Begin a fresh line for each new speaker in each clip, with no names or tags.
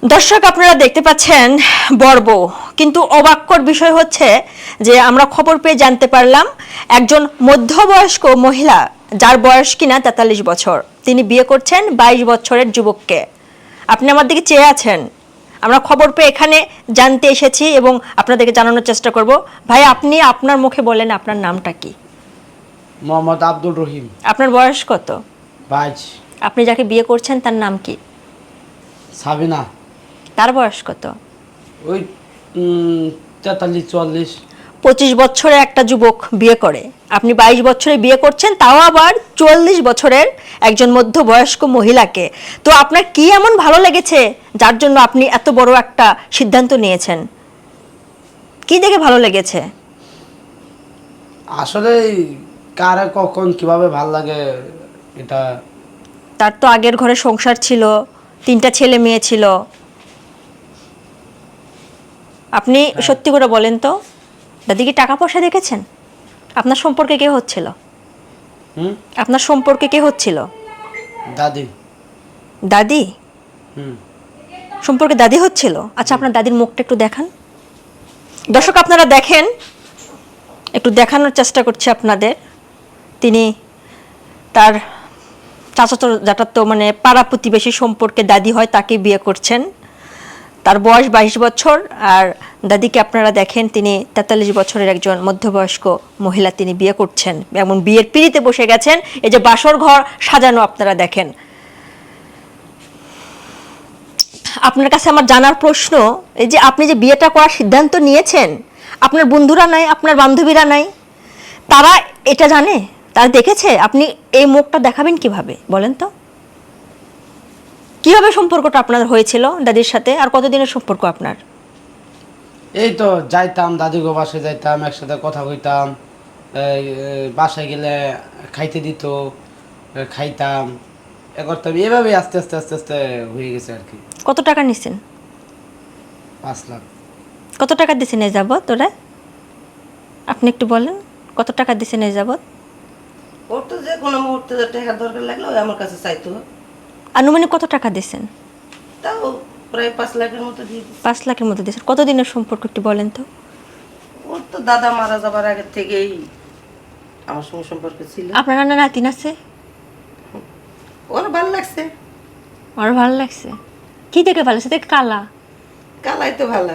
দর্শক আপনারা দেখতে পাচ্ছেন বড় বউ, কিন্তু অবাক্যর বিষয় হচ্ছে যে আমরা খবর পেয়ে জানতে পারলাম একজন মধ্যবয়স্ক মহিলা, যার বয়স কিনা ৪৩ বছর, তিনি বিয়ে করছেন ২২ বছরের যুবককে। আপনি আমার দিকে চেয়ে আছেন, আমরা খবর পেয়ে এখানে জানতে এসেছি এবং আপনাদেরকে জানানোর চেষ্টা করব। ভাই, আপনি আপনার মুখে বলেন আপনার নামটা কি?
মোহাম্মদ আব্দুর রহিম।
আপনার বয়স কত?
22।
আপনি যাকে বিয়ে করছেন তার নাম কি?
সাবিনা।
তার বয়স কত?
ওই 43-44।
25 বছরে একটা যুবক বিয়ে করে, আপনি 22 বছরে বিয়ে করছেন, তাও আবার 44 বছরের একজন মধ্যবয়স্ক মহিলাকে। তো আপনার কি এমন ভালো লেগেছে যার জন্য আপনি এত বড় একটা সিদ্ধান্ত নিয়েছেন? কি দেখে ভালো লেগেছে?
আসলে কারে কখন কিভাবে ভাল লাগে এটা।
তার তো আগের ঘরে সংসার ছিল, 3টা ছেলে মেয়ে ছিল। আপনি সত্যি করে বলেন তো, দাদি কি টাকা পয়সা দেখেছেন? আপনার সম্পর্কে কে হচ্ছিল? আপনার সম্পর্কে কে হচ্ছিল?
দাদি।
দাদি?
হুম।
সম্পর্কে দাদি হচ্ছিল? আচ্ছা, আপনার দাদির মুখটা একটু দেখান। দর্শক আপনারা দেখেন, একটু দেখানোর চেষ্টা করছি আপনাদের। তিনি তার চাচাতো জ্যাঠাতো মানে পাড়া প্রতিবেশী সম্পর্কে দাদি হয়, তাকে বিয়ে করছেন। তার বয়স 22 বছর, আর দাদিকে আপনারা দেখেন তিনি 43 বছরের একজন মধ্যবয়স্ক মহিলা তিনি বিয়ে করছেন, এমন বিয়ের পিঁড়িতে বসে গেছেন। এই যে বাসর ঘর সাজানো আপনারা দেখেন। আপনার কাছে আমার জানার প্রশ্ন, এই যে আপনি যে বিয়েটা করার সিদ্ধান্ত নিয়েছেন, আপনার বন্ধুরা নাই, আপনার বান্ধবীরা নাই, তারা এটা জানে? তারা দেখেছে? আপনি এই মুখটা দেখাবেন কিভাবে বলেন তো? কিভাবে সম্পর্কটা আপনার হয়েছিল দাদির সাথে, আর কতদিনের সম্পর্ক আপনার?
এই তো যাইতাম দাদিগো বাসায়, যাইতাম একসাথে কথা কইতাম। বাসায় গেলে খাইতে দিত, খাইতাম, এ করতাম। এভাবে আস্তে আস্তে আস্তে আস্তে হয়ে গেছে আর কি।
কত টাকা নিছেন?
5 লাখ।
কত টাকা দিছেন এই যাবৎ ওরা? আপনি একটু বলেন, কত টাকা দিছেন এই যাবৎ?
ওর তো যে কোনো মুহূর্তে যে টাকার দরকার লাগলো ওই আমার কাছে চাইতো।
আনুমানিক কত টাকা দিছেন?
তাও প্রায় 5 লাখের মতো দিয়ে দিচ্ছে।
5 লাখের মতো দিয়েছেন। কতদিনের সম্পর্ক একটু বলেন তো?
ওর তো দাদা মারা যাবার আগের থেকেই আমার সঙ্গে সম্পর্ক ছিল।
আপনার নানা নাতিন আছে?
ওর ভালো লাগছে।
আমার ভালো লাগছে। কি দেখে ভালো লাগছে? দেখে কালা?
কালাই তো ভালো।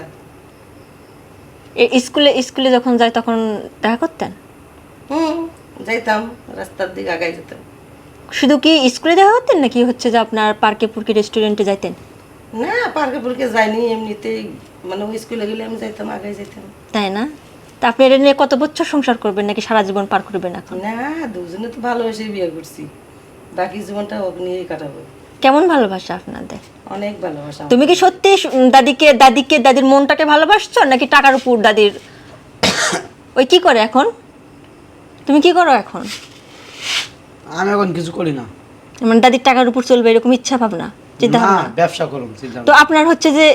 স্কুলে স্কুলে যখন যাই তখন দেখা করতেন?
যাইতাম, রাস্তার দিকে আগাই যেতাম।
শুধু কি স্কুলে দেখা করতেন, নাকি হচ্ছে যে আপনার পার্কে পুরকে রেস্টুরেন্টে যাইতেন?
না, পার্কে পুরকে যাইনি, এমনিতেই মানে ওই স্কুলে গেলে আমি যাইতাম, আগাই যেতাম।
তাই না? তা আপনি এটা নিয়ে কত বছর সংসার করবেন, নাকি সারা জীবন পার করবেন এখন?
না, দুজনে তো ভালোবেসে বিয়ে করছি, বাকি জীবনটা ওকে নিয়েই কাটাবো।
কেমন ভালোবাসা আপনাদের?
অনেক ভালোবাসা।
তুমি কি সত্যি দাদির মনটাকে ভালোবাসছো, নাকি টাকার উপর দাদির ওই কি করে এখন? তুমি কি করো এখন?
আমি এখন কিছু করি না।
মানে দাদির টাকার উপর চলবে এরকম ইচ্ছা ভাবনা, চিন্তা
না,
ভাবনা?
ব্যবসা করুন চিন্তা।
তো আপনার হচ্ছে যে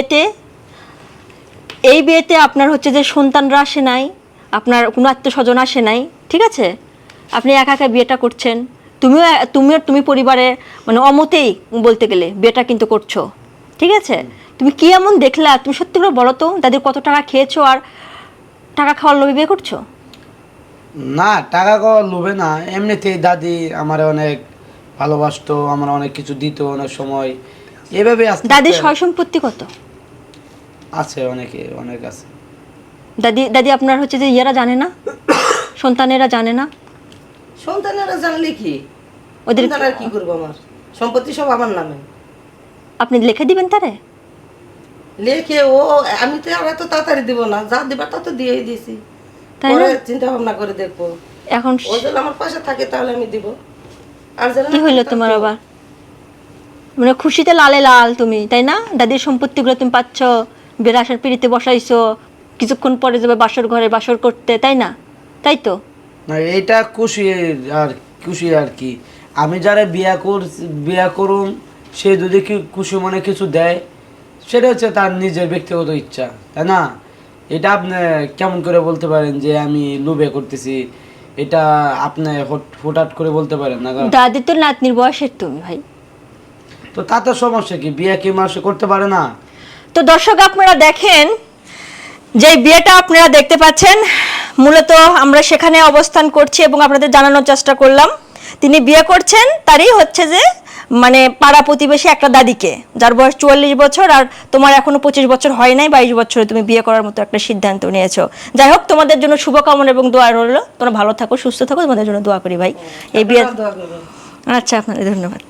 এই বিয়েতে আপনার হচ্ছে যে সন্তানরা আসে নাই, আপনার কোনো আত্মীয় স্বজন আসে নাই, ঠিক আছে? আপনি একা একা বিয়েটা করছেন। তুমি পরিবারে মানে অমতেই বলতে গেলে বিয়েটা কিন্তু করছো, ঠিক আছে? তুমি কি এমন দেখলা? তুমি সত্যি করে বলো তো, দাদির কত টাকা খেয়েছো আর টাকা খাওয়ার লোভে বিয়ে করছো?
না, টাকা লোভে না, এমনিতেই দাদি আমার অনেক ভালোবাসতো, আমার অনেক কিছু দিত অনেক সময়। এভাবে
দাদির সয় সম্পত্তি কত
আছে? অনেক আছে।
দাদি আপনার হচ্ছে যে ইয়েরা জানে না, সন্তানেরা জানে না?
সন্তানেরা জানলে কি,
ওদের
সন্তান আর কি করবো? আমার সম্পত্তি সব আমার নামে।
আপনি লিখে দিবেন তারে?
লেখে ও, আমি তো আর এত তাড়াতাড়ি দিব না, যা দিবার তা তো দিয়েই দিয়েছি।
তাই
পরে
না?
চিন্তা ভাবনা করে দেখবো।
এখন
ও যদি আমার পাশে থাকে তাহলে আমি দিব, আর যেন
কি হইলো তোমার আবার? মানে খুশিতে লালে লাল তুমি, তাই না? দাদির সম্পত্তিগুলো তুমি পাচ্ছ, বেরাসার পিড়িতে বসাইছো, কিছুক্ষণ পরে যাবে বাসর ঘরে বাসর করতে, তাই না? তাই তো?
না, এইটা খুশি আর কি। আমি যারা বিয়া করুম, সে যদি খুশি মনে কিছু দেয়, সেটা হচ্ছে তার নিজের ব্যক্তিগত ইচ্ছা, তাই না? এটা আপনি কেমন করে বলতে পারেন যে আমি লোভে করতেছি? এটা আপনি হুটহাট করে বলতে পারেন না।
দাদি তো নাতনির বয়সের তুমি ভাই।
তো তাতে সমস্যা কি, বিয়ে কি মানুষ করতে পারে না?
তো দর্শক আপনারা দেখেন যে বিয়েটা আপনারা দেখতে পাচ্ছেন, মূলত আমরা সেখানে অবস্থান করছি এবং আপনাদের জানানোর চেষ্টা করলাম তিনি বিয়ে করছেন তারই হচ্ছে যে মানে পাড়া প্রতিবেশী একটা দাদিকে, যার বয়স 44 বছর, আর তোমার এখনো 25 বছর হয় নাই, 22 বছরে তুমি বিয়ে করার মতো একটা সিদ্ধান্ত নিয়েছো। যাই হোক, তোমাদের জন্য শুভকামনা এবং দোয়া রইল, তোমরা ভালো থাকো, সুস্থ থাকো, তোমাদের জন্য দোয়া করি ভাই এই বিয়ে।
দোয়া করবেন।
আচ্ছা, আপনাদের ধন্যবাদ।